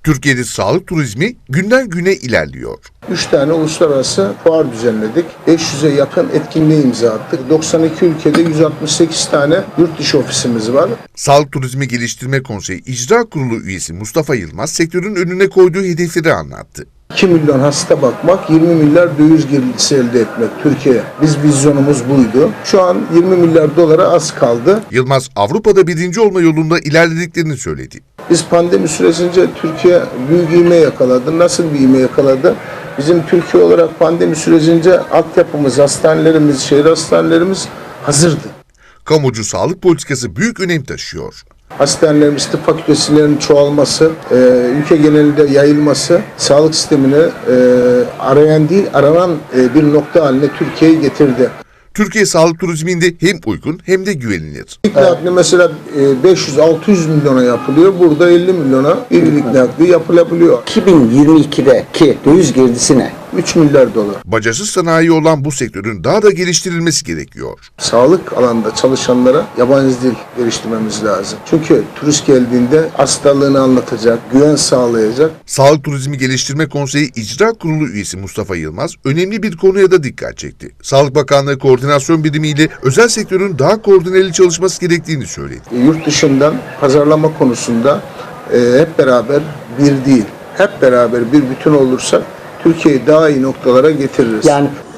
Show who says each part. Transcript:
Speaker 1: Türkiye'de sağlık turizmi günden güne ilerliyor.
Speaker 2: 3 tane uluslararası fuar düzenledik. 500'e yakın etkinliğe imza attık. 92 ülkede 168 tane yurt dışı ofisimiz var.
Speaker 1: Sağlık Turizmi Geliştirme Konseyi İcra Kurulu üyesi Mustafa Yılmaz sektörün önüne koyduğu hedefleri anlattı.
Speaker 2: 2 milyon hasta bakmak, 20 milyar döviz girdisi elde etmek Türkiye. Biz vizyonumuz buydu. Şu an 20 milyar dolara az kaldı.
Speaker 1: Yılmaz Avrupa'da birinci olma yolunda ilerlediklerini söyledi.
Speaker 2: Biz pandemi süresince Türkiye büyük ivme yakaladı. Nasıl bir ivme yakaladı? Bizim Türkiye olarak pandemi süresince altyapımız, hastanelerimiz, şehir hastanelerimiz hazırdı.
Speaker 1: Kamucu sağlık politikası büyük önem taşıyor.
Speaker 2: Hastanelerimiz, tıp fakültelerinin çoğalması, ülke genelinde yayılması, sağlık sistemini arayan değil, aranan bir nokta haline Türkiye'yi getirdi.
Speaker 1: Türkiye sağlık turizminde hem uygun hem de güvenilir.
Speaker 2: İlk nakli mesela 500-600 milyona yapılıyor. Burada 50 milyona bir ilk nakli yapılabiliyor.
Speaker 3: 2022'deki döviz girdisi ne?
Speaker 2: 3 milyar dolar.
Speaker 1: Bacasız sanayi olan bu sektörün daha da geliştirilmesi gerekiyor.
Speaker 2: Sağlık alanında çalışanlara yabancı dil geliştirmemiz lazım. Çünkü turist geldiğinde hastalığını anlatacak, güven sağlayacak.
Speaker 1: Sağlık Turizmi Geliştirme Konseyi İcra Kurulu üyesi Mustafa Yılmaz önemli bir konuya da dikkat çekti. Sağlık Bakanlığı Koordinasyon Birimi ile özel sektörün daha koordineli çalışması gerektiğini söyledi.
Speaker 2: Yurt dışından pazarlama konusunda hep beraber bir değil, hep beraber bir bütün olursak Türkiye'yi daha iyi noktalara getiririz.
Speaker 3: Yani